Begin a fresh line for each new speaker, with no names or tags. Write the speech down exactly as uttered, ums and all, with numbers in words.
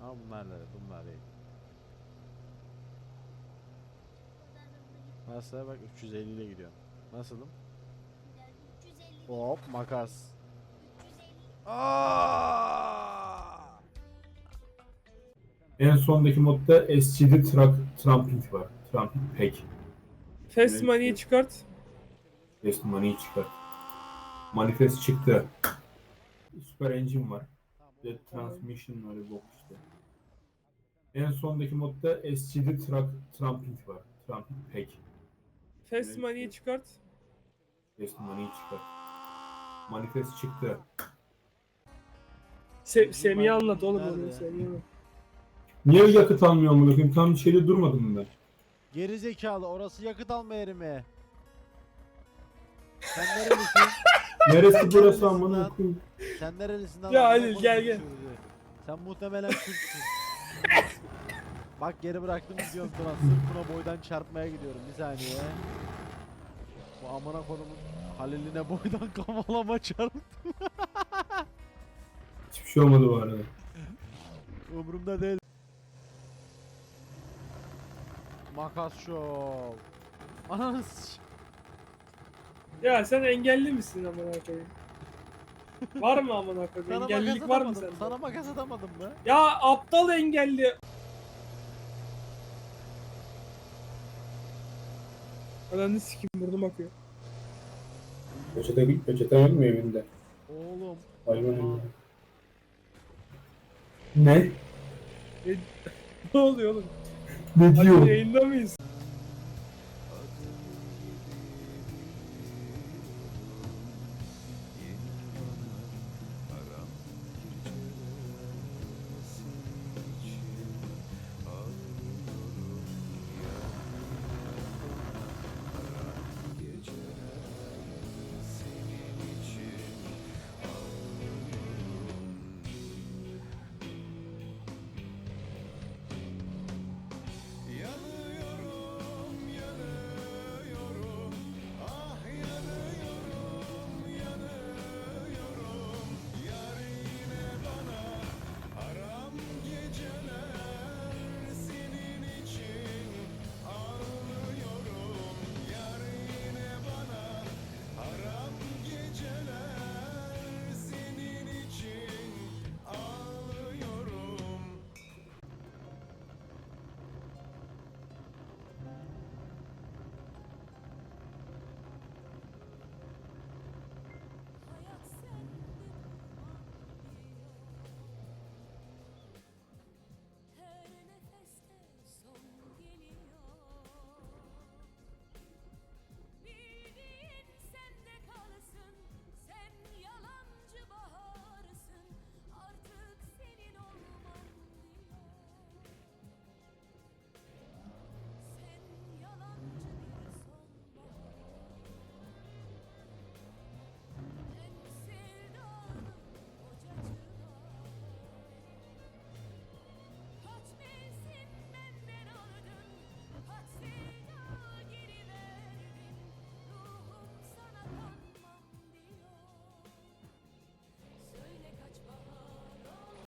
Ama bunlar ne? Bunlar değil. Nasıl? Bak üç yüz elli ile gidiyor. Nasılım? Hop makas. Aa!
En sondaki modda S G D Truck Tramping var. Tramping Pack.
Fast Money'i çıkart.
Best Money'i çıkar. Manifest çıktı. Super Engine var. Jet Transmission var. Bok işte. En sondaki modda S G D Truck Tramping var. Tramping Pack.
Fast Money'i çıkart.
Best Money'i çıkar. Manifest çıktı.
Se Semih'e anlat oğlum
Nerede
onu.
ya?
Semih'e anlat.
Niye yakıt almıyor amına koyayım? Tam bir şeyde durmadım mı ben?
Geri zekalı, orası yakıt alma yeri mi? Sen nerelisin?
Neresi burası amına koyayım?
Sen nerelisin lan?
Ya
Amına
Halil,
koydum
gel, gel.
şurada. Sen muhtemelen Türksün. Bak geri bıraktım gidiyorum Tuna. Sırf Tuna boydan çarpmaya gidiyorum. Bir saniye. Bu amına kodumun Halil'ine boydan kavalama çarptı.
Hiçbir şey olmadı bu arada.
Umurumda değil. Makas şov. Ananı s-
Ya sen engelli misin amına koyayım? Var mı amına koyayım?
Sana
Engellilik
makas
var mı
atamadım.
sende?
Sana makas atamadım mı?
Ya aptal engelli. Ananı sikim burnum akıyor.
Peçete, peçete yok mu evinde?
Oğlum.
Hayvan
Aa,
evinde. Ne?
Ne oluyor oğlum?
Ne
Hadi
diyor?
yayında mıyız?